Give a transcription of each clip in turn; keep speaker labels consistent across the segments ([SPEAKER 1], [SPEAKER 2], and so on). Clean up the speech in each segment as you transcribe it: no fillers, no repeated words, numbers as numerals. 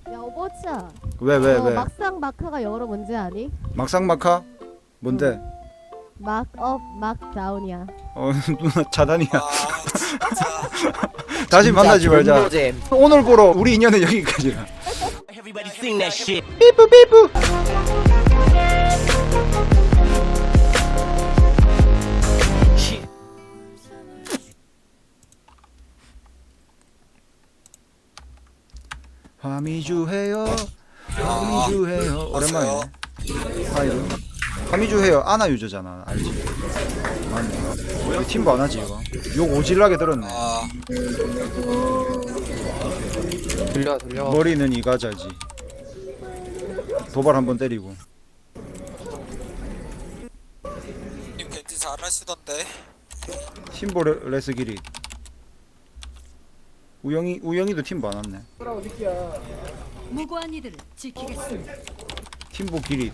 [SPEAKER 1] 야 오버치야.
[SPEAKER 2] 왜?
[SPEAKER 1] 막상 마카가 영어로 뭔지 아니?
[SPEAKER 2] 막상막하? 뭔데?
[SPEAKER 1] 막업 막다운이야.
[SPEAKER 2] 누나 차단이야.
[SPEAKER 3] 진짜
[SPEAKER 2] 다시 만나지 말자.
[SPEAKER 3] 존노잼.
[SPEAKER 2] 오늘 보러 우리 인연은 여기까지야.
[SPEAKER 3] Everybody sing that shit.
[SPEAKER 2] 삐뿌 삐뿌. 화미주해요. 화미주해요. 오랜만이네. 하이루. 화미주해요. 아나 유저잖아. 알지? 맞네. 우리 팀도 안 하지 이거. 욕 오질나게 들었네.
[SPEAKER 4] 들려.
[SPEAKER 2] 머리는 이가자지. 도발 한번 때리고.
[SPEAKER 5] 님 겐지 잘하시던데.
[SPEAKER 2] 팀보 레스 길이. 우영이도 팀보 안 왔네.
[SPEAKER 6] 무고한 이들을 지키겠습니다.
[SPEAKER 2] 팀보 길이.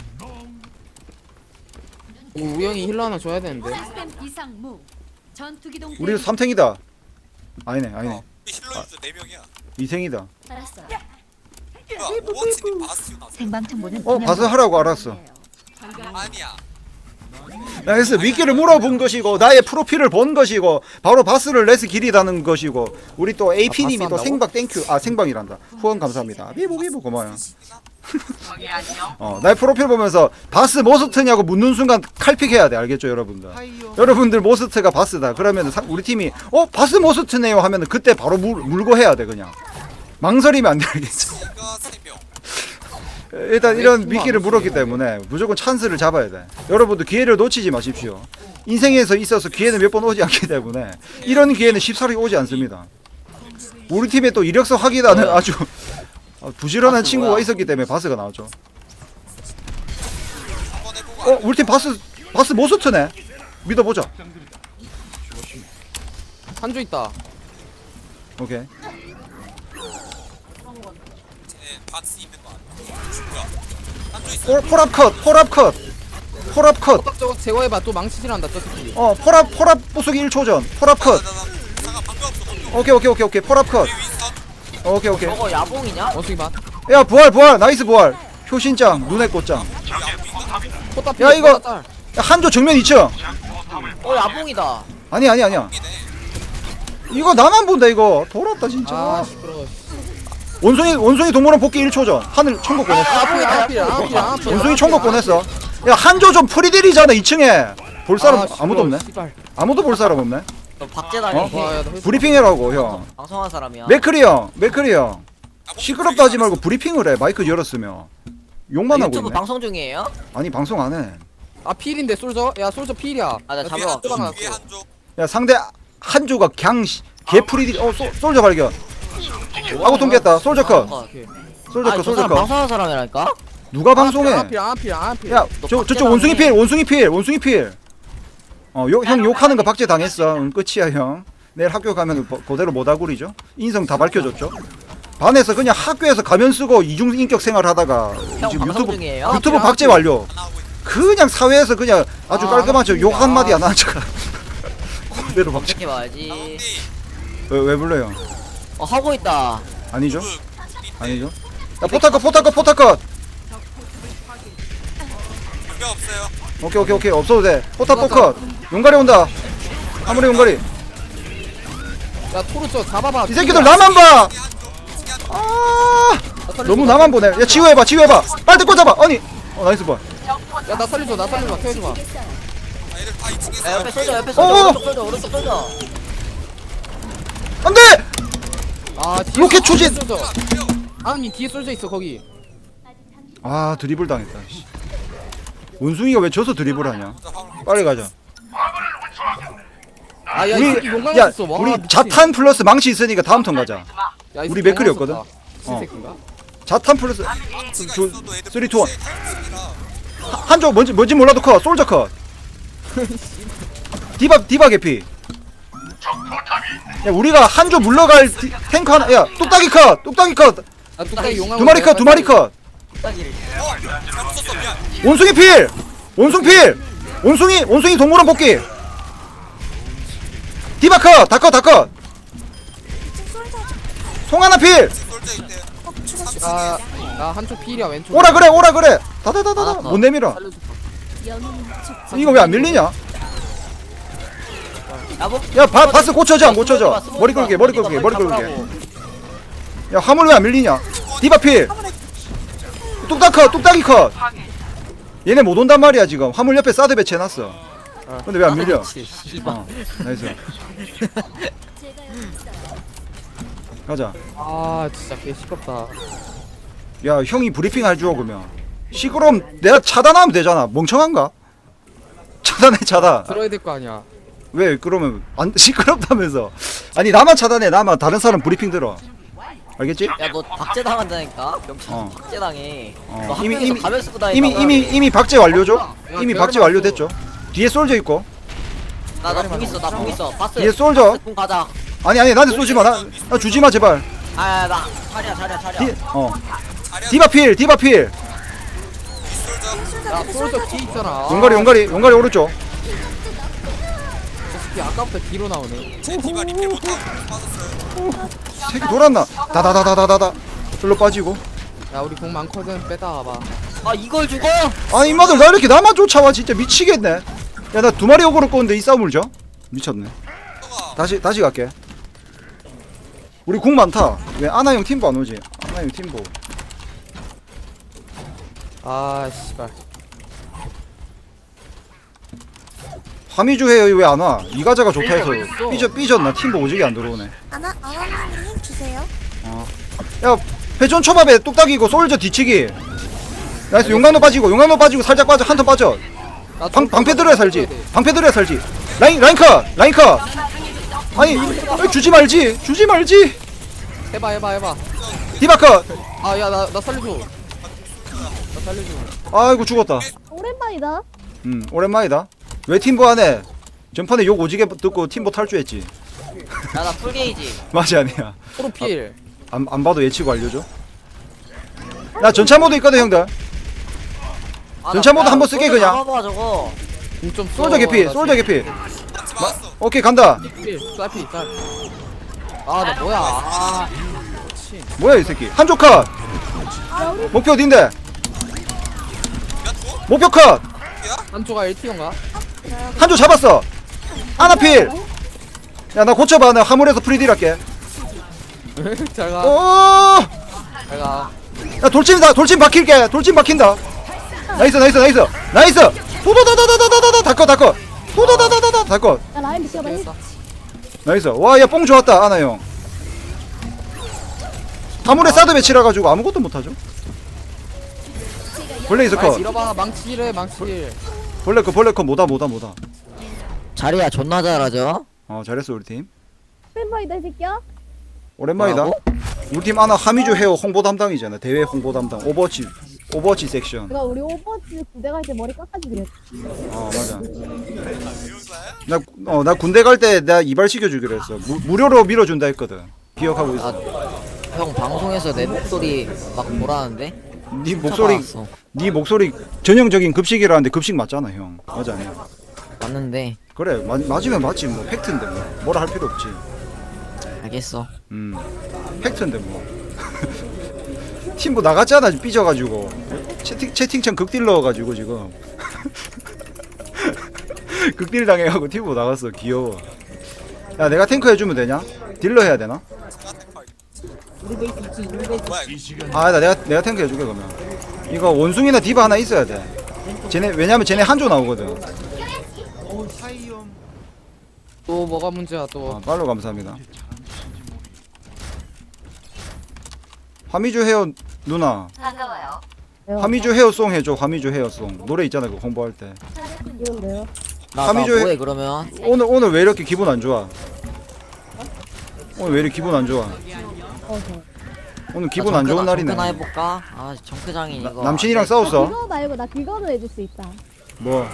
[SPEAKER 4] 우영이 힐러 하나 줘야 되는데.
[SPEAKER 6] 시스템 이상 무 전투기동
[SPEAKER 2] 우리 3탱이다. 아니네.
[SPEAKER 5] 힐러유저 4명이야.
[SPEAKER 2] 2탱이다.
[SPEAKER 6] 알았어.
[SPEAKER 5] 오버치님 바스티온 나왔어.
[SPEAKER 6] 생방 정보는
[SPEAKER 2] 봐서 하라고 알았어.
[SPEAKER 5] 아니야.
[SPEAKER 2] 나 그래서 미끼를 물어본 것이고 나의 프로필을 본 것이고 바로 바스를 레스 길이라는 것이고 우리 또 AP님이
[SPEAKER 4] 바스
[SPEAKER 2] 또
[SPEAKER 4] 한다고?
[SPEAKER 2] 생박 땡큐 생방이란다. 후원 감사합니다. 비보 고마워요. 나의 프로필 보면서 바스 모스트냐고 묻는 순간 칼픽해야 돼. 알겠죠 여러분들? 여러분들 모스트가 바스다 그러면 우리 팀이 바스 모스트네요 하면은 그때 바로 물고 해야 돼. 그냥 망설이면 안 돼. 알겠죠?
[SPEAKER 5] 이가 3명.
[SPEAKER 2] 일단 이런 미끼를 물었기 때문에 무조건 찬스를 잡아야 돼. 여러분들 기회를 놓치지 마십시오. 인생에서 있어서 기회는 몇 번 오지 않기 때문에 이런 기회는 쉽사리 오지 않습니다. 우리 팀에 또 이력서 확인하는 아주 부지런한 친구가 있었기 때문에 바스가 나왔죠.
[SPEAKER 5] 한번 해보고
[SPEAKER 2] 우리 팀 바스 모스트네. 믿어보자.
[SPEAKER 4] 한조 있다.
[SPEAKER 2] 오케이.
[SPEAKER 5] 쟤 바스 있는 거 아니야? 뭐야? 한조 있어.
[SPEAKER 2] 폴압 컷.
[SPEAKER 4] 저거 제거해봐. 또 망치질한다. 저 새끼.
[SPEAKER 2] 폴압 부수기 1초 전. 폴압 컷.
[SPEAKER 5] 잠깐 방금 없어.
[SPEAKER 2] 오케이. 폴압 컷.
[SPEAKER 5] 우리 윈스턴.
[SPEAKER 2] 오케이.
[SPEAKER 3] 저거 야봉이냐?
[SPEAKER 4] 원숭이 봐.
[SPEAKER 2] 야 부활 나이스 부활. 효신짱 눈의 꽃짱.
[SPEAKER 4] 포탑
[SPEAKER 2] 야, 이거-
[SPEAKER 4] 딸.
[SPEAKER 2] 야, 한조 정면 2층.
[SPEAKER 3] 야봉이다.
[SPEAKER 2] 아니야. 이거 나만 본다 이거. 돌았다 진짜.
[SPEAKER 4] 아 시끄러워.
[SPEAKER 2] 원숭이 동물원 복귀 1초 전. 하늘 천국 보냈어.
[SPEAKER 4] 야봉이다. 앞이야.
[SPEAKER 2] 원숭이 천국 보냈어. 야 한조 좀 프리딜이잖아 2층에. 볼 사람 아무도 없네. 아무도 볼 사람 없네.
[SPEAKER 3] 너 박재단이
[SPEAKER 4] 와, 야, 나
[SPEAKER 2] 브리핑해라고 형.
[SPEAKER 3] 방송한 사람이야.
[SPEAKER 2] 맥크리 형. 시끄럽다 하지 말고 브리핑을 해. 마이크 열었으면. 욕만 하고
[SPEAKER 3] 유튜브
[SPEAKER 2] 있네.
[SPEAKER 3] 방송 중이에요?
[SPEAKER 2] 아니 방송 안 해.
[SPEAKER 4] 아 필인데 솔저? 야 솔저 필이야.
[SPEAKER 3] 아, 나
[SPEAKER 4] 야,
[SPEAKER 3] 잡으러
[SPEAKER 4] 또
[SPEAKER 3] 갈게.
[SPEAKER 5] 위에
[SPEAKER 4] 박아놨어.
[SPEAKER 5] 한조.
[SPEAKER 2] 야 상대 한조가 개프리딜. 솔저 발견. 아고 통깼다. 솔저 컷.
[SPEAKER 4] 오케이.
[SPEAKER 2] 솔저
[SPEAKER 3] 아,
[SPEAKER 2] 컷.
[SPEAKER 3] 저
[SPEAKER 2] 솔저
[SPEAKER 3] 사람
[SPEAKER 2] 컷.
[SPEAKER 3] 방송한 사람이라니까?
[SPEAKER 2] 누가 방송해?
[SPEAKER 4] 앞필.
[SPEAKER 2] 야, 저쪽 원숭이 필. 형 욕하는 거 박제 당했어. 끝이야, 형. 내일 학교 가면 그대로 모다구리죠. 인성 다 밝혀줬죠. 반에서 그냥 학교에서 가면 쓰고 이중 인격 생활 하다가
[SPEAKER 3] 형
[SPEAKER 2] 지금
[SPEAKER 3] 방송 중이에요?
[SPEAKER 2] 유튜브 박제 완료.
[SPEAKER 5] 하나 하고 있어.
[SPEAKER 2] 그냥 사회에서 그냥 아주
[SPEAKER 4] 아,
[SPEAKER 2] 깔끔한 척 욕 한마디
[SPEAKER 4] 아.
[SPEAKER 2] 안 하는 척. 그대로 박제.
[SPEAKER 3] 이렇게 봐야지.
[SPEAKER 5] 나온디.
[SPEAKER 2] 왜 불러요?
[SPEAKER 3] 하고 있다.
[SPEAKER 2] 아니죠? 아니죠? 야, 포타컷.
[SPEAKER 5] 준비 없어요.
[SPEAKER 2] 오케이. 없어도 돼. 포타컷 컷. 용가리 온다. 아무리 용가리.
[SPEAKER 4] 야 토르 저 잡아봐.
[SPEAKER 2] 이 새끼들 나만 봐.
[SPEAKER 5] 한조.
[SPEAKER 2] 너무 나만 보네. 야 지우해봐. 빨대 꽂아봐. 아니. 나이스 봐.
[SPEAKER 4] 야나 살려줘. 태워줘봐.
[SPEAKER 5] 아, 얘들 다 2층에서.
[SPEAKER 3] 야, 옆에 쏠져, 오른쪽 쏠져.
[SPEAKER 2] 안돼.
[SPEAKER 4] 아 뒤에
[SPEAKER 2] 로켓 추진!
[SPEAKER 4] 솔저. 아니 뒤에 솔저 있어 거기.
[SPEAKER 2] 아 드리블 당했다. 씨. 원숭이가 왜 져서 드리블하냐? 빨리 가자.
[SPEAKER 4] 아야 이
[SPEAKER 2] 우리
[SPEAKER 4] 새끼 용광
[SPEAKER 2] 야
[SPEAKER 4] 있어. 와,
[SPEAKER 2] 우리
[SPEAKER 4] 미친.
[SPEAKER 2] 자탄 플러스 망치 있으니까 다음 턴 가자.
[SPEAKER 4] 야, 이
[SPEAKER 2] 우리
[SPEAKER 4] 새끼
[SPEAKER 2] 맥클이었거든?
[SPEAKER 4] 용광 썼다. 새끼인가?
[SPEAKER 2] 자탄 플러스
[SPEAKER 5] 망치가
[SPEAKER 2] 조-
[SPEAKER 5] 있어도 애들
[SPEAKER 2] 3, 2, 1.
[SPEAKER 5] 복수의 탈출이라.
[SPEAKER 2] 한조 뭔지 몰라도 컷. 솔저 컷. 디바 개피. 야 우리가 한조 물러갈 탱크 하나. 야 뚝딱이 컷.
[SPEAKER 4] 아 뚝딱이 용광.
[SPEAKER 2] 두 마리 컷.
[SPEAKER 3] 딱이래.
[SPEAKER 5] 잘못 썼어. 미안.
[SPEAKER 2] 원숭이 필. 원숭이 동물원 복귀. 디바 컷. 다 컷. 송하나 필.
[SPEAKER 5] 솔져 있대.
[SPEAKER 4] 나 한쪽 필이야 왼쪽.
[SPEAKER 2] 오라 그래 다다다다다 못 내밀어.
[SPEAKER 4] 살려줘.
[SPEAKER 2] 이거 왜 안 밀리냐?
[SPEAKER 3] 야뭐
[SPEAKER 2] 야 바스 고쳐져 안 고쳐져? 머리 끌게 야 화물 왜 안 밀리냐? 디바필 뚝딱이 컷. 얘네 못 온단 말이야 지금. 화물 옆에 사드 배치해놨어. 근데 왜 안 밀려? 나이스. 가자.
[SPEAKER 4] 아 진짜 개 시끄럽다.
[SPEAKER 2] 야 형이 브리핑 해줘 그러면. 시끄러움 내가 차단하면 되잖아. 멍청한가? 차단.
[SPEAKER 4] 들어야 될 거 아니야.
[SPEAKER 2] 왜 그러면 안 시끄럽다면서? 아니 나만 차단해. 나만 다른 사람 브리핑 들어. 알겠지?
[SPEAKER 3] 야너 박제당한다니까? 명창 박제당해. 너
[SPEAKER 2] 이미-
[SPEAKER 3] 학교에서
[SPEAKER 2] 이미-
[SPEAKER 3] 가면 쓰고 다니다가
[SPEAKER 2] 이미 박제 완료죠? 이미
[SPEAKER 4] 대가리
[SPEAKER 2] 박제
[SPEAKER 4] 맞고.
[SPEAKER 2] 완료됐죠? 뒤에 솔져 있고.
[SPEAKER 3] 나공 있어. 바스.
[SPEAKER 2] 뒤에 솔져.
[SPEAKER 3] 공 가자.
[SPEAKER 2] 아니 나한테 쏘지 마. 나 주지 마 제발.
[SPEAKER 3] 나 차려.
[SPEAKER 2] 디바필.
[SPEAKER 4] 야 솔저 뒤 있잖아.
[SPEAKER 2] 용가리 오른쪽.
[SPEAKER 4] 저 새끼 아까부터 뒤로 나오네.
[SPEAKER 5] 제 디바 리필 못하고 빠졌어요.
[SPEAKER 2] 새끼 돌았나? 다다다다다다. 절로 빠지고.
[SPEAKER 4] 야 우리 공 많거든 빼다 와봐.
[SPEAKER 3] 아 이걸 죽어?
[SPEAKER 2] 아니 인마들 나 이렇게 나만 쫓아와 진짜 미치겠네. 야 나 두 마리 오고를 꼬는데 이 싸움을 져? 미쳤네. 다시 갈게. 우리 궁 많다. 왜 아나형 팀보 안 오지? 아나형 팀보.
[SPEAKER 4] 아 씨발.
[SPEAKER 2] 화미주 해요 왜 안 와? 이가자가 좋다 해서
[SPEAKER 4] 있어.
[SPEAKER 2] 삐졌나? 팀보 오지게 안 들어오네.
[SPEAKER 7] 아나님 주세요.
[SPEAKER 2] 야 회전 초밥에 뚝딱이고 솔저 뒤치기. 나이스 용광로 빠지고 살짝 빠져 한 턴 빠져.
[SPEAKER 4] 나
[SPEAKER 2] 방패 들어야 살지. 라인 컷. 아니 주지 말지.
[SPEAKER 4] 해봐.
[SPEAKER 2] 디바 컷.
[SPEAKER 4] 아 야 나 살려줘.
[SPEAKER 2] 아이고 죽었다.
[SPEAKER 1] 오랜만이다.
[SPEAKER 2] 오랜만이다. 왜 팀보 안 해? 전판에 욕 오지게 듣고 팀보 탈주했지.
[SPEAKER 3] 야나 풀게이지.
[SPEAKER 2] 맞이 아니야.
[SPEAKER 4] 프로필.
[SPEAKER 2] 안 봐도 예치고 알려줘. 나 전차 모드 있거든 형들. 전차 모드 한번 쓸게, 그냥.
[SPEAKER 3] 잡아봐 저거.
[SPEAKER 4] 공점
[SPEAKER 2] 솔저 개피.
[SPEAKER 5] 맞지 맞았어.
[SPEAKER 2] 오케이 간다.
[SPEAKER 4] 쌀피 쌀. 아나 뭐야. 아 미친.
[SPEAKER 2] 뭐야 이 새끼. 한쪽 컷. 목표 어딘데? 목표 컷.
[SPEAKER 4] 한조가 1티어인가?
[SPEAKER 2] 한쪽 잡았어. 아나필. 야 나 고쳐봐. 나 화물에서 프리딜 할게.
[SPEAKER 4] 잘가.
[SPEAKER 2] 오.
[SPEAKER 4] 잘가.
[SPEAKER 2] 야 돌진 박힌다. 나이스. 도도다다다다다다 다컷. 도도다다다다 다컷.
[SPEAKER 1] 야 라인 비켜봐.
[SPEAKER 2] 나이스. 와, 야, 뽕 좋았다, 아나 형. 화물에 사드 배치라 가지고 아무것도 못 하죠. 벌레 있어 컷.
[SPEAKER 4] 밀어봐 망치래.
[SPEAKER 2] 벌레 컷 뭐다.
[SPEAKER 3] 자리야 존나 잘하죠?
[SPEAKER 2] 잘했어 우리 팀.
[SPEAKER 1] 오랜만이다 이 새끼야.
[SPEAKER 2] 오랜만이다.
[SPEAKER 3] 뭐라고?
[SPEAKER 2] 우리 팀 아나 하미주 헤어 홍보 담당이잖아. 대회 홍보 담당. 오버워치 섹션.
[SPEAKER 1] 내가 우리 오버워치 군대 갈 때 머리 깎아지 그랬.
[SPEAKER 2] 맞아. 나 군대 갈 때 내가 이발 시켜주기로 했어. 무료로 밀어준다 했거든. 기억하고 있어.
[SPEAKER 3] 형 방송에서 내 목소리 막 뭐라는데?
[SPEAKER 2] 네 목소리 전형적인 급식이라는데 급식 맞잖아 형. 맞아 아니야.
[SPEAKER 3] 맞는데
[SPEAKER 2] 그래 맞으면 맞지 뭐 팩트인데 뭐 뭐라 할 필요 없지.
[SPEAKER 3] 알겠어.
[SPEAKER 2] 팩트인데 뭐. 팀 뭐 나갔잖아 삐져가지고 채팅창 극딜 넣어가지고 지금 극딜 당해가고 팀 뭐 나갔어. 귀여워. 야 내가 탱커 해주면 되냐? 딜러 해야 되나?
[SPEAKER 5] 뭐야 이거.
[SPEAKER 2] 아 내가 탱크 해줄게 그러면. 이거 원숭이나 디바 하나 있어야 돼. 왜냐면 쟤네 한조 나오거든.
[SPEAKER 4] 또 뭐가 문제야 또.
[SPEAKER 2] 팔로 감사합니다. 화미주 헤어 누나. 화미주 헤어송 해줘. 화미주 헤어송 노래 있잖아 그 홍보할 때.
[SPEAKER 1] 이건데요.
[SPEAKER 3] 나
[SPEAKER 2] 하미조
[SPEAKER 3] 뭐해 그러면?
[SPEAKER 2] 오늘 왜 이렇게 기분 안 좋아? 오늘 왜 이렇게 기분 안 좋아? 오늘 기분 안 좋은 날이네.
[SPEAKER 3] 정크나 해볼까? 아 정크장인 이거.
[SPEAKER 2] 남친이랑
[SPEAKER 1] 나
[SPEAKER 2] 싸웠어?
[SPEAKER 1] 그거 말고 나 그거는 해줄 수 있다.
[SPEAKER 2] 뭐?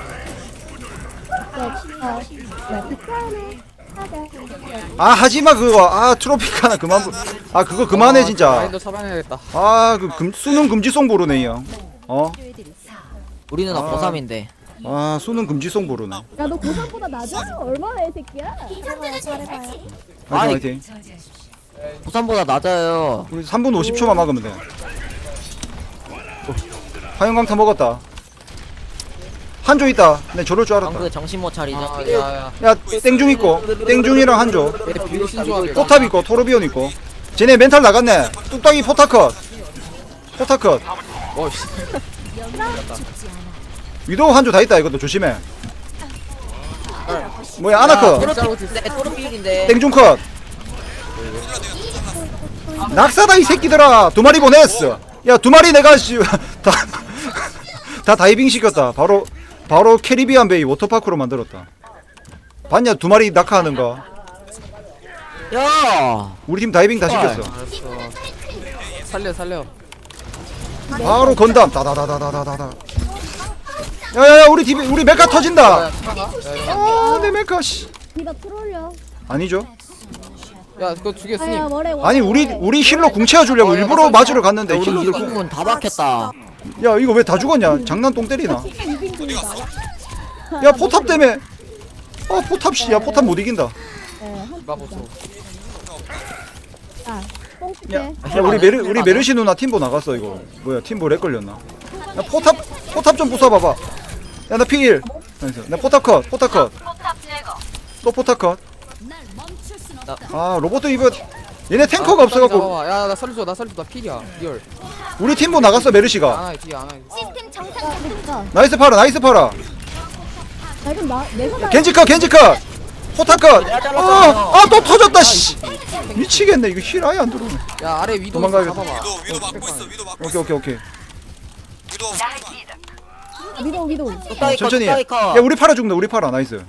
[SPEAKER 2] 아 하지마 그거. 트로피카나 그만. 그거 그만해 진짜.
[SPEAKER 4] 마인드 처방해야겠다.
[SPEAKER 2] 수능 금지송 부르네 이 형.
[SPEAKER 3] 우리는 고3인데.
[SPEAKER 2] 수능 금지송 부르네.
[SPEAKER 1] 야 너 고3보다 낮아? 얼마나 이 새끼야?
[SPEAKER 2] 화이팅 화이팅.
[SPEAKER 3] 고3보다 낮아요.
[SPEAKER 2] 우리 3분 50초만 막으면 돼. 화염강타 먹었다. 한조 있다. 내 저럴 줄 알았다.
[SPEAKER 3] 방금 정신 못 차리죠.
[SPEAKER 4] 아, 야야.
[SPEAKER 2] 야 땡중 있고 땡중이랑 한조.
[SPEAKER 4] 얘 비신 조합이야.
[SPEAKER 2] 포탑 있고 토르비온 있고. 쟤네 멘탈 나갔네. 뚝딱이 포타컷. 포타컷.
[SPEAKER 4] 어씨.
[SPEAKER 2] 위도우 한조 다 있다. 이것도 조심해. 뭐야 아나컷.
[SPEAKER 3] 토르필인데.
[SPEAKER 2] 땡중컷. 낙사다 이 새끼들아. 두 마리 보냈어. 야 두 마리 내가 다 다이빙 시켰다. 바로 캐리비안 베이 워터파크로 만들었다. 봤냐 두 마리 낙하하는 거.
[SPEAKER 3] 야.
[SPEAKER 2] 우리 팀 다이빙 다 시켰어.
[SPEAKER 4] 알았어. 살려.
[SPEAKER 2] 바로 건담 다다다다다다다. 야야야 우리 메카 터진다.
[SPEAKER 4] 야 차가.
[SPEAKER 2] 내 메카 씨.
[SPEAKER 1] 디바 트롤려.
[SPEAKER 2] 아니죠?
[SPEAKER 4] 야 그거 죽였으니.
[SPEAKER 1] 아야 뭐래.
[SPEAKER 2] 아니 우리 힐러 궁 채워주려고 일부러 맞으러 갔는데
[SPEAKER 3] 우리
[SPEAKER 2] 힐러들 궁.
[SPEAKER 3] 이공은 다 박혔다.
[SPEAKER 2] 야 이거 왜 다 죽었냐? 장난 똥 때리나?
[SPEAKER 1] 이빙 중이다.
[SPEAKER 2] 야 포탑 때문에. 포탑 씨야 포탑 못 이긴다.
[SPEAKER 4] 마보소.
[SPEAKER 1] 아, 뽕
[SPEAKER 2] 야,
[SPEAKER 1] 줄게.
[SPEAKER 2] 야 우리 메르시 누나 팀보 나갔어 이거. 뭐야 팀보 렉 걸렸나? 야 포탑 좀 부숴봐봐. 야 나 P1. 나 포탑 컷. 또 포탑 컷.
[SPEAKER 6] 날 멈출 순 없다.
[SPEAKER 2] 아 로봇 이거 얘네 탱커가 없어갖고
[SPEAKER 4] 야나 살려줘 나 필이야. 리얼.
[SPEAKER 2] 우리 팀보 나갔어 메르시가.
[SPEAKER 4] 안아 뒤에 안아.
[SPEAKER 7] 시스템 정상
[SPEAKER 1] 아, 진짜.
[SPEAKER 2] 나이스 팔아.
[SPEAKER 1] 나 이건 내가
[SPEAKER 2] 겐지 컷. 포탑 컷. 또 터졌다 씨. 미치겠네 이거 힐 아예 안 들어오네.
[SPEAKER 4] 야 아래 위도
[SPEAKER 2] 도망가야겠다.
[SPEAKER 4] 잡아봐.
[SPEAKER 5] 위도 막고 있어. 위도 막고 있어.
[SPEAKER 2] 오케이.
[SPEAKER 5] 위도
[SPEAKER 1] 위도우.
[SPEAKER 2] 천천히 해. 야 우리 팔아 죽는다. 우리 팔아 나이스.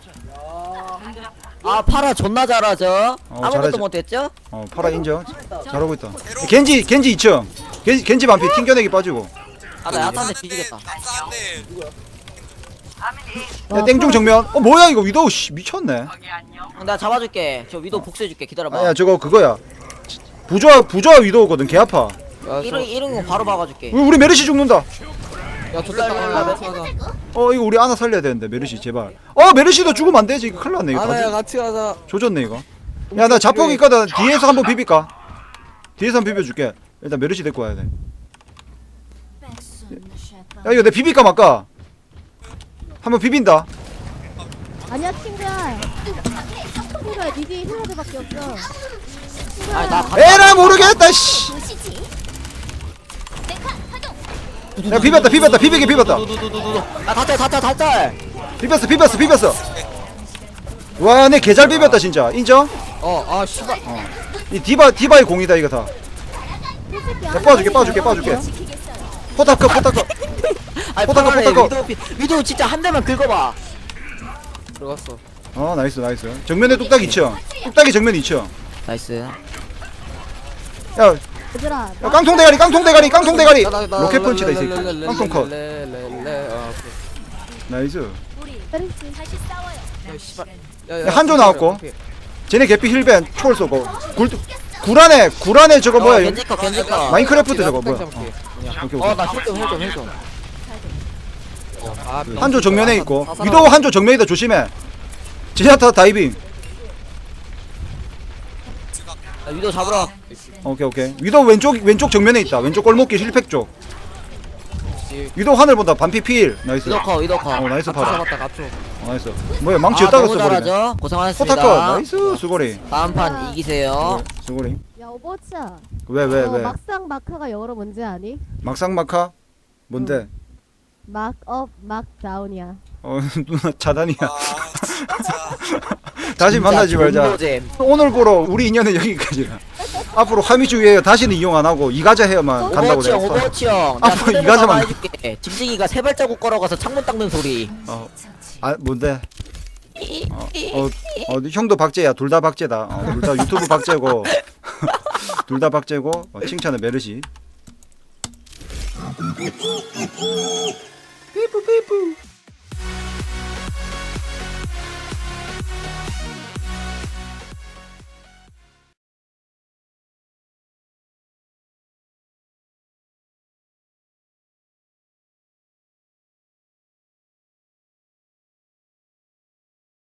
[SPEAKER 3] 아 파라 존나 잘하죠. 아무것도
[SPEAKER 2] 잘하죠.
[SPEAKER 3] 못했죠?
[SPEAKER 2] 팔아 인정. 잘하고 있다. 겐지 2층. 겐지 반피 튕겨내기 빠지고.
[SPEAKER 3] 아나 야탄데 뒤지겠다.
[SPEAKER 5] 낙사한데
[SPEAKER 2] 야 땡중 정면. 뭐야 이거 위도우 씨 미쳤네.
[SPEAKER 3] 내가 잡아줄게. 저 위도 복수해줄게. 기다려봐.
[SPEAKER 2] 야 저거 그거야. 부조화 위도우거든. 개 아파.
[SPEAKER 3] 이런 거 바로 박아줄게.
[SPEAKER 2] 우리 메르시 죽는다.
[SPEAKER 4] 야 좋겠다.
[SPEAKER 2] 이거 우리 아나 살려야 되는데 메르시 제발. 메르시도 죽으면 안 되지. 이거 큰일 났네 이거.
[SPEAKER 4] 아나야 같이 가자.
[SPEAKER 2] 조졌네 이거. 야 나 자폭 있거든. 뒤에서 한번 비빌까? 뒤에서 한번 비벼줄게. 일단 메르시 데리고 와야 돼. 야 이거 내 비빌까 말까? 한번 비빈다.
[SPEAKER 1] 아니야 친구야. 친구야 니디 힐러들밖에 없어.
[SPEAKER 3] 아니 나
[SPEAKER 2] 에라 모르겠다 씨. 야 비볐다 비비게 비볐다.
[SPEAKER 3] 아 다짤.
[SPEAKER 2] 비볐어. 와 내 개잘 비볐다 진짜. 인정?
[SPEAKER 4] 아 씨발.
[SPEAKER 2] 이 디바의 공이다 이거 다. 야 빠줄게. 포탑 컷.
[SPEAKER 3] 아니
[SPEAKER 2] 포탑.
[SPEAKER 3] 위도 진짜 한 대만 긁어봐.
[SPEAKER 4] 들어갔어.
[SPEAKER 2] 나이스. 정면에 뚝딱 2층. 뚝딱이 정면 2층.
[SPEAKER 3] 나이스.
[SPEAKER 2] 야
[SPEAKER 1] 얘들아.
[SPEAKER 2] 깡통 대가리. 로켓 펀치다 이 새끼. 깡통 컷. 나이스.
[SPEAKER 1] 메르시.
[SPEAKER 4] 야 씨발.
[SPEAKER 2] 야, 한조 나왔고. 쟤네 개피 힐벤 초월 쏘고. 굴안에 저거 뭐야?
[SPEAKER 3] 겐지커.
[SPEAKER 2] 마인크래프트 저거 뭐야?
[SPEAKER 4] 잡을게.
[SPEAKER 2] 오케이.
[SPEAKER 3] 어나 힐좀.
[SPEAKER 2] 한조 정면에 있고. 위도우 한조 정면이다 조심해. 제냐타 다이빙.
[SPEAKER 3] 위도 잡으러.
[SPEAKER 2] 오케이. 위도우 왼쪽 정면에 있다. 왼쪽 골목길 힐팩 쪽. 위도우 하늘 본다. 반피 필. 나이스.
[SPEAKER 3] 위도커.
[SPEAKER 2] 나이스
[SPEAKER 4] 같이
[SPEAKER 2] 파라.
[SPEAKER 4] 잡았다 갑초.
[SPEAKER 2] 나이스. 뭐야 망치 였다가
[SPEAKER 3] 너무
[SPEAKER 2] 써버리네.
[SPEAKER 3] 잘하죠. 고생하셨습니다.
[SPEAKER 2] 포타컷. 나이스 수고리.
[SPEAKER 3] 다음 판 이기세요.
[SPEAKER 2] 수고리.
[SPEAKER 1] 야 오버워치야.
[SPEAKER 2] 왜?
[SPEAKER 1] 막상 마카가 영어로 뭔지 아니?
[SPEAKER 2] 막상 마카? 뭔데?
[SPEAKER 1] 막업 막다운이야.
[SPEAKER 2] 누나 차단이야. 다시 만나지 말자.
[SPEAKER 3] 존노잼.
[SPEAKER 2] 오늘 보러 우리 인연은 여기까지라. 앞으로 하미주 웨어 다시는 이용 안 하고 이가자 헤어만 간다고 내가.
[SPEAKER 3] 오버워치 형.
[SPEAKER 2] 앞으로
[SPEAKER 3] 내가
[SPEAKER 2] 이가자만.
[SPEAKER 3] 해줄게. 짐승이가 세 발자국 걸어가서 창문 닦는 소리.
[SPEAKER 2] 뭔데? 형도 박제야. 둘 다 박제다. 둘 다 유튜브 박제고. 둘 다 박제고. 칭찬은 메르시. 삐뿌.